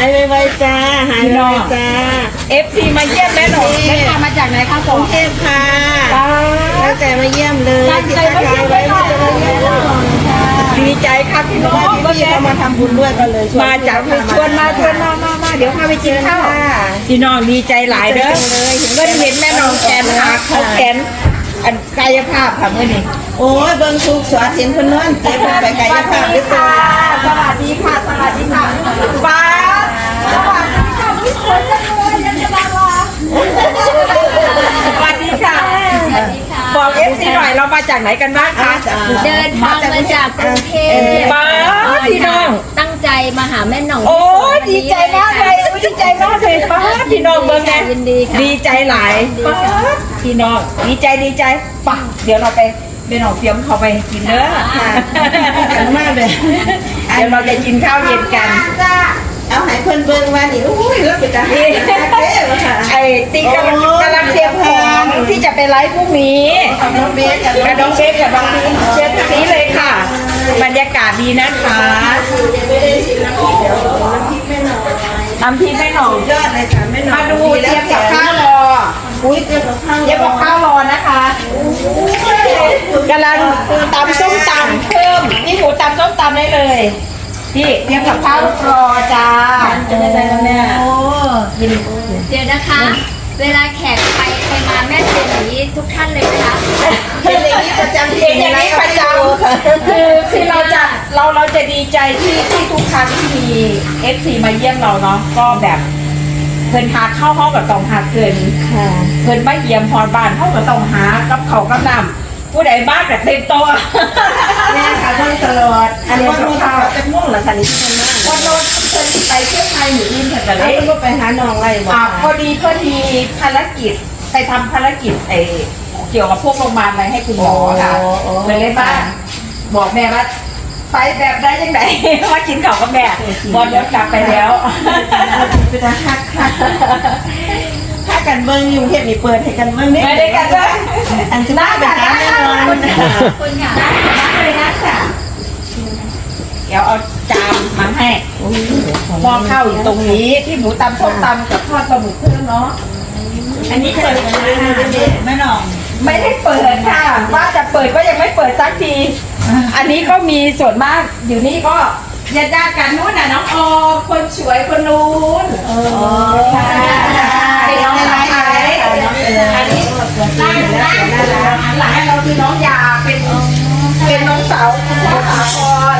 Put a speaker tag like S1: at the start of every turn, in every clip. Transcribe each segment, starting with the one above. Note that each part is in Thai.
S1: ายไวๆจ้าหายไวๆจ้า
S2: FC มาเยี่ยมแม่หนองแม่พามาจากไหนคะ
S1: กรุงเทพค่ะตั้งใจมาเยี่ยมเลย
S2: ตั้งใจมาเยี่ยมแม่หนองดีใจครับพี่น้อง
S1: พี่เขามาทำบุญด้วยก็เลย
S2: มาจากชวนมาเดี๋ยวพาไปกินข้าวพี่น้องดีใจหลายเด้อก็ได้เห็นแม่น้องแกนเขาแกนอันกายภาพค่ะเมื่อนี้
S1: โอ้ยเบิ้งทุกสวัสดิ์เห็นคนนั้นเจ็บไปกายภาพด้วยตัว
S2: สวัสดีค่ะสวัสดีค่ะป้าสวัสดีค่ะทุกคนเลยยังจะมาสวัสดีค่ะบอกFC หน่อยเรามาจากไหนกันบ้างคะ
S3: เดินทางมาจากกรุงเทพ
S2: ป้าพี่น้อง
S3: ตั้งใจมาหาแม่หน่อง
S2: โอ้ดีใจมากเลยดีใจมากเลยป้าพี่น้องเบิ้งไง
S3: ยินดีค่ะ
S2: ดีใจหลายป้าพี่น้องดีใจป่ะเดี๋ยวเราไปน้องเตรียมเขาไปกินเด้อ
S1: กันมากเลย
S2: เดี๋ยวเราจะกินข้าวเย็นกัน
S1: เอาให้เพิ่นเบิ้งว่านี่โอ้ยแล้วไปจ้า
S2: ไอ้ตีกำลังเตรียมของที่จะไปไลฟ์พรุ่งนี้
S1: น้องเบสกับ
S2: กับน้องเบฟกับน้องพีเชิญทางนี้เลยค่ะ บรรยากาศดีนะคะน้ำพริกแม่หน่อง
S1: ยอดเลยค่ะแม่น้อง
S2: มาดูเตรียมกับข้าวรอ
S1: อุ้ยเตรียมกับข้าว
S2: เตรียมกับข้าวรอนะคะกำลังตำส้มตำเพิ่มนี่หมูตำส้มตำได้เลยพี่เตรียมกับข้าวรอจ้า
S1: จะได้แล้วเนี่ย
S3: โอ้เดี๋ยวนะคะ เวลาแขกไปมาแม่เจนอย่างนี้ทุกท่านเลยนะคะ
S1: เป็นอย่างนี้ประจำ
S2: เป็นอย่างนี้ประจำคือเราจะดีใจที่ทุกครั้งที่มี FC มาเยี่ยมเราเนาะก็แบบเพิ่นหาเข้าห้องกับตองหาเกิน
S1: ค่ะ
S2: เพิ่นมาเยี่ยมพรบ้านเข้ากับตองหากับเขากับน้ำผู้ใดบ้านแบบเต็มโตว
S1: แม่ค่ะต้องตลอดอันนี้ต้องข้าวจะม่วงเหรอคะนี่ที่มันมาก
S2: วันโน้นเพิ่นไปเที่ยวไทยหรืออินเทอร์เน็ต
S1: แล้วก็ไปหาน้องไรบอก
S2: พอดีภารกิจไปทำภารกิจเกี่ยวกับพวกโรงพยาบาลอะไรให้คุณหมอค่ะเลยบ้านบอกแม่ว่าไปแบบได้ยังไง ว่ากินข้าวกับแม่บอลเดี๋ยวกลับไปแล้ว
S1: เป็นอาฮักค่ะถ้ากันเบิ้งอยู่เทพนี่เปิดให้กันเบิ้ง
S2: ไม่ได้กันเลย
S1: อันจะได้เป็นการแน่นอน
S3: คุณค่ะ
S2: นั่งเลยนะค่ะเดี๋ยวเอาจานมาให้หม้อข้าวอยู่ตรงนี้ที่หมูตำส้มตำกับทอดปลาหมึกเพิ่มเนาะ
S1: อันนี้เปิดเลยนะแม่น้อง
S2: ไม่ได้เปิดค่ะว่าจะเปิดก็ยังไม่เปิดสักที อันนี้ก็มีส่วนมากอยู่นี่ก็ญาติกันนู้นน่ะน้องออคนสวยคนนู้นค่ะเป็นน้องสาวอันนี้น่าหลานเราคือน้องยาเป็นน้องสาวคุณพ่อสาคร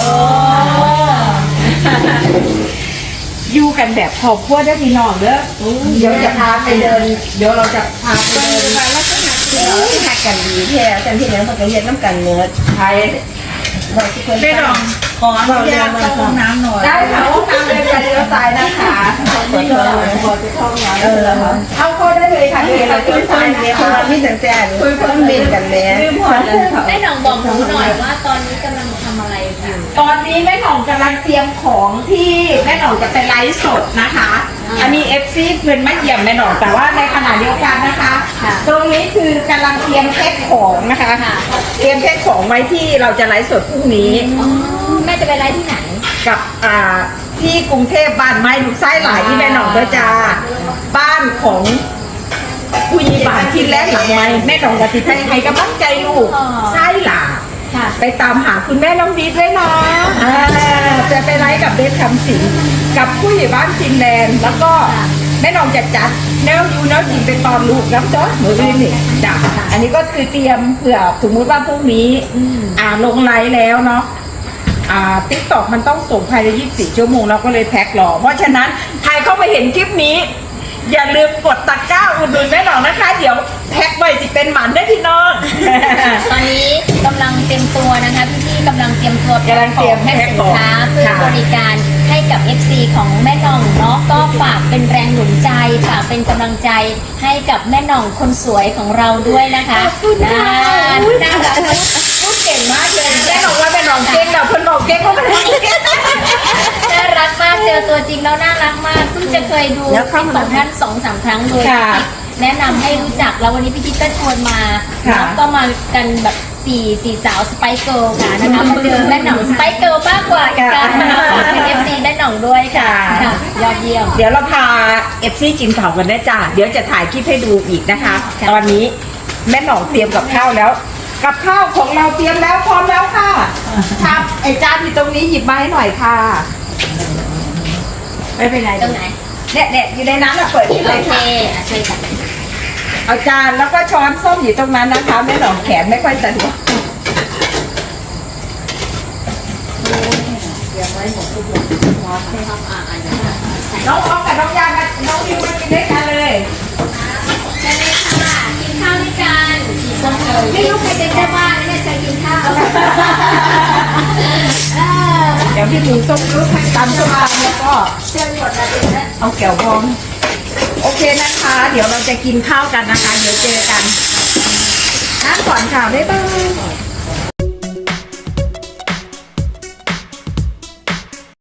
S2: อยู่กันแบบครอบครัวได้พี่น้องเด้อเดี๋ยวจะพาไปเดินเดี๋ยวเราจะพาไปเดิน
S1: หักกันดีแท้จันที่แล้วมันก็เฮ็ดน้ำกันเนื้อ
S2: ไทย
S1: บอกทุกคน
S2: ได้หรอ
S1: ขออนุญาตเข้าห้องน้ำหน่อย
S2: ได้ค่ะห้องน้ำเลยไปเลี้ยวซ้ายนะคะ
S1: ขอโทษขอไปเข้าห้องน้ำ
S2: เข้าเข้าได้เลยค่ะที่เรา
S1: คุ
S2: คุ
S1: ย
S2: ย
S1: เพิ่
S2: ซ้าย
S1: น
S2: นะ
S1: เนี่ย
S2: คะ
S1: คนมีตั้งแต่คุยเพิ่นบินกันแม่
S3: แม่หน่องบอกหนูหน่อยว่าตอนนี้กำลังทำอะไรอยู่
S2: ตอนนี้แม่หน่องกำลังเตรียมของที่แม่หน่องจะไปไลฟ์สดนะคะ อันนี้ FC เพื่อนไม่เยี่ยมแม่หน่องแต่ว่าในขณะเดียวกันนะคะ ตรงนี้คือกำลังเตรียมแพ็คของนะคะเตรียมแพ็คของไว้ที่เราจะไลฟ์สดพรุ่งนี้
S3: แม่จะไปไลฟ์ที่ไหน
S2: กับที่กรุงเทพบ้านไม้ลูกไส้หลายที่แม่หน่องเด้อจ้าบ้านของผู้ใหญ่บ้านที่แรกหลังไม้แม่หน่องกับติดใจใครกำลังใจลูกไส้หลา
S3: ค่ะ
S2: ไปตามหาคุณแม่น้องดีด้วยนะจะไปไลฟ์กับเบสคำสิงกับผู้ใหญ่บ้านฟินแลนด์แล้วก็แม่หน่องจะจัดแนวยูแนวกินเป็นตอนลูกน้ำจ้อหมูอื่นนี่จ้ะอันนี้ก็คือเตรียมเผื่อสมมติว่าพรุ่งนี้ลงไลฟ์แล้วเนาะติ๊กต็อกมันต้องส่งภายใน24 ชั่วโมงเราก็เลยแพ็ครอเพราะฉะนั้นใครเข้ามาเห็นคลิปนี้ อย่าลืมกดตะกร้าอุดหนุนแม่หน่องนะคะ เดี๋ยวแพ็คไว้สิเป็นหมันได้พี่น้อง
S3: ตอนนี้กำลังเตรียมตัวนะคะพี่ๆกำลังเตรียมตัว
S2: กำลังเตรียม
S3: แพ็คสินค้า
S2: แพ็คของ
S3: เพื่อบริการให้กับ FC ของแม่หน่องเนาะก็ฝากเป็นแรงหนุนใจฝากเป็นกำลังใจให้กับแม่หน่องคนสวยของเราด้วยนะคะน่ารัก
S2: พูดเก่งมากเลยแม่หน่องว่าแม่หน่องเก่งแบบคนบอกเก่งเขาไม่ได้เก่ง
S3: น่ารักมากเจอตัวจริงแล้วน่ารักมากเพิ่งจะเคยดูคลิปของท่าน2-3 ครั้งโดยแนะนำให้รู้จักแล้ววันนี้พี่ทิพย์ก็ชวนมา
S2: ค่ะ
S3: แล้วก็มากันแบบสี่สาวสไปเกิลค่ะนะคะมาเจอแม่หน่องสไปเกิลมากกว่าอีกค่ะเป็น FC แม่หน่องด้วยค่ะยอดเยี่ยม
S2: เดี๋ยวเราพาเอฟซีกินข้าวกันได้จ้าเดี๋ยวจะถ่ายคลิปให้ดูอีกนะคะ
S3: ค่ะ
S2: ตอนนี้แม่หน่องเตรียมกับข้าวแล้ว กับข้าวของเราเตรียมแล้วพร้อมแล้วค่ะครับไอจานอยู่ตรงนี้หยิบมาให้หน่อยค่ะ
S1: ไม่เป็นไร
S3: ตรงไหน
S2: เนี่ยอยู่ในนั้นอะเปิดที่เล
S3: โอย เค
S2: ค่ะ
S3: ช่วยกัน
S2: เอาจานแล้วก็ช้อนส้อมอยู่ตรงนั้นนะคะแม่หน่องแขนไม่ค่อยสะดวกน้องออฟกับน้องยามาน้องวิวมากินด้วยกันเลย
S3: เชิญเลยค่ะกินข้าวด้วยกันไม่รู้ใครจะได้บ้างเนี่ยจะกินข้าว
S2: เดี๋ยวพี่หมูส้มยุบตำส้มตำแล้วก็
S3: เชิญหมดเลยนะ
S2: เอาแก้วบองโอเคนะคะ เดี๋ยวเราจะกินข้าวกันนะคะ เดี๋ยวเจอกันนั่งก่อนค่ะบ๊ายบาย